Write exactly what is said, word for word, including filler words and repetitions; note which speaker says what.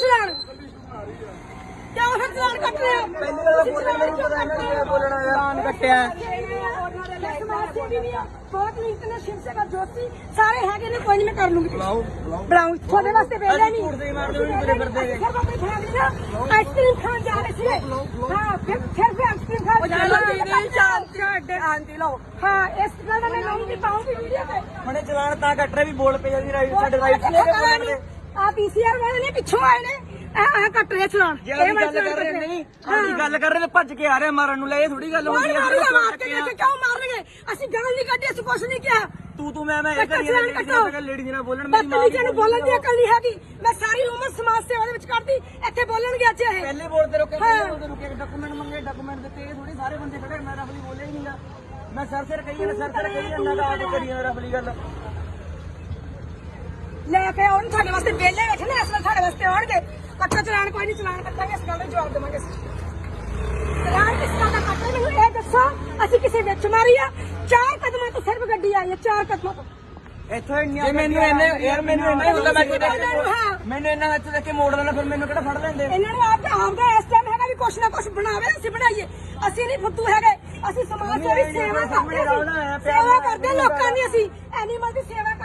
Speaker 1: ਚਲਾਨ ਕਿਉਂ ਫਿਰ ਚਲਾਨ ਕੱਟ ਰਹੇ ਹੋ?
Speaker 2: ਪਹਿਲੀ ਗੱਲ ਬੋਲਣ ਮੈਨੂੰ ਪਤਾ ਇਹਨਾਂ ਨੇ ਕਿਵੇਂ ਬੋਲਣਾ ਯਾਰ ਚਲਾਨ ਕੱਟਿਆ
Speaker 1: ਬਹੁਤ ਨੀਤ ਨੇ ਸ਼ਿਵ ਸੇਵਾ ਜੋਤੀ ਸਾਰੇ ਹੈਗੇ ਨੇ ਕੋਈ ਨਹੀਂ ਮੈਂ ਕਰ ਲੂੰਗੀ
Speaker 2: ਬੁਲਾਓ
Speaker 1: ਬੁਲਾਉਂ ਤੁਹਾਡੇ ਵਾਸਤੇ ਵੇਲੇ ਨਹੀਂ
Speaker 2: ਝੂਠ ਦੇ ਮਾਰਦੇ ਹੋ ਤੁਰੇ ਫਿਰਦੇ ਨੇ
Speaker 1: ਆਈਸਕ੍ਰੀਮ ਖਾਣ ਜਾ ਰਹੇ ਸੀ ਹਾਂ ਫਿਰ ਫਿਰ ਵੀ ਆਈਸਕ੍ਰੀਮ ਖਾਣ ਜਾ ਰਹੇ ਆਂਟੀ ਲਓ ਹਾਂ ਇਸ ਗੱਲ ਦਾ ਮੈਂ ਲਾਉਂਗੀ ਪਾਉਂਗੀ ਵੀਡੀਓ ਤੇ
Speaker 2: ਹੁਣੇ ਚਲਾਨ ਤਾਂ ਕੱਟ ਰਹੇ ਵੀ ਬੋਲ ਪਏ ਜਾਂਦੀ ਰਾਈਟ ਸਾਡੇ ਰਾਈਟ ਲੈ ਕੇ ਬੋਲਣ ਦੇ
Speaker 1: ਆ ਪੀਸੀਆਰ ਵਾਲੇ ਨੇ ਪਿੱਛੋਂ ਆਏ ਨੇ ਆ ਆ ਕੱਟ ਰਹੇ ਚਲਾਨ
Speaker 2: ਜੇ ਅਸੀਂ ਗੱਲ ਕਰ ਰਹੇ ਨਹੀਂ ਅਸੀਂ ਗੱਲ ਕਰ ਰਹੇ ਨੇ ਭੱਜ ਕੇ ਆ ਰਹੇ ਮਾਰਨ ਨੂੰ ਲੈ ਇਹ ਥੋੜੀ ਗੱਲ ਹੁੰਦੀ ਹੈ
Speaker 1: ਕਿਉਂ ਮਾਰਨਗੇ ਅਸੀਂ ਗਾਲ ਨਹੀਂ ਕੱਢੀ ਅਸੀਂ ਕੁਛ ਨਹੀਂ ਕਿਹਾ
Speaker 2: ਤੂੰ ਤੂੰ ਮੈਂ ਮੈਂ ਇਹ ਕਰੀ ਜਾਂਦਾ ਲੇਡੀ ਨਾਲ ਬੋਲਣ
Speaker 1: ਮੇਰੀ ਮਾਂ ਨੂੰ ਬੋਲਣ ਦੀ ਅਕਲ ਨਹੀਂ ਹੈਗੀ ਮੈਂ ਸਾਰੀ ਉਮਰ ਸਮਾਜ ਸੇਵਾ ਦੇ ਵਿੱਚ ਕੱਢਦੀ ਇੱਥੇ ਬੋਲਣਗੇ ਅੱਜ ਇਹ
Speaker 2: ਪਹਿਲੇ ਬੋਲਦੇ ਰੁਕੇ ਪਹਿਲੇ ਬੋਲਦੇ ਰੁਕੇ ਡਾਕੂਮੈਂਟ ਮੰਗੇ ਡਾਕੂਮੈਂਟ ਦਿੱਤੇ ਇਹ ਥੋੜੀ ਸਾਰੇ ਬੰਦੇ ਖੜੇ ਮੈਂ ਰਫਲੀ ਬੋਲਿਆ ਹੀ ਨਹੀਂਗਾ ਮੈਂ ਸਰ ਸਿਰ ਕਹੀ ਜਾਂਦਾ ਸਰ ਸਿਰ ਕਹੀ ਜਾਂਦਾ ਦਾ ਆਪ ਕਰੀ ਜਾਂਦਾ ਰਫਲੀ ਗੱਲ
Speaker 1: ਲੈ ਕੇ ਆਉਣ ਤੁਹਾਡੇ ਵਾਸਤੇ ਵਿਹਲੇ ਬੈਠੇ ਨੇ ਇਸ ਵੇਲੇ ਤੁਹਾਡੇ ਵਾਸਤੇ ਆਉਣਗੇ ਕੱਟਾ ਚਲਾਨ ਕੋਈ ਨਹੀਂ ਚਲਾਨ ਕੱਟਾਂਗੇ ਇਸ ਗੱਲ ਦਾ ਜਵਾਬ ਦੇਵਾਂਗੇ ਚਲਾਨ ਕਿਸ ਤਰ੍ਹਾਂ ਦਾ ਕੱਟਾ ਮੈਨੂੰ ਇਹ ਦੱਸੋ ਅਸੀਂ ਕਿਸੇ ਵਿੱਚ ਮਾਰੀ ਆ ਚਾਰ ਕਦਮਾਂ ਤੋਂ ਸਿਰਫ ਗੱਡੀ ਆਈ ਹੈ ਚਾਰ ਕਦਮਾਂ ਤੋਂ
Speaker 2: ਇੱਥੋਂ ਇੰਨੀਆਂ ਮੈਨੂੰ ਇਹਨੇ ਯਾਰ ਮੈਨੂੰ ਇੰਨਾ ਹੀ ਹੁੰਦਾ ਮੈਂ ਮੈਨੂੰ ਇੰਨਾ ਵਿੱਚ ਦੇਖ ਕੇ ਮੋੜ ਲੈਣਾ ਫਿਰ ਮੈਨੂੰ ਕਿਹੜਾ ਫੜ ਲੈਂਦੇ
Speaker 1: ਇਹਨਾਂ ਨੂੰ ਆਪ ਆਪ ਦਾ ਇਸ ਟਾਈਮ ਹੈਗਾ ਵੀ ਕੁਛ ਨਾ ਕੁਛ ਬਣਾਵੇ ਅਸੀਂ ਬਣਾਈਏ ਅਸੀਂ ਨਹੀਂ ਫੁੱਦੂ ਹੈਗੇ ਅਸੀਂ ਸਮਾਜ ਸੇਵੀ ਸੇਵਾ ਕਰਦੇ ਸੇਵਾ ਕਰਦੇ ਲੋਕਾਂ ਦੀ ਅਸੀਂ ਐਨੀਮਲ ਦੀ ਸੇਵਾ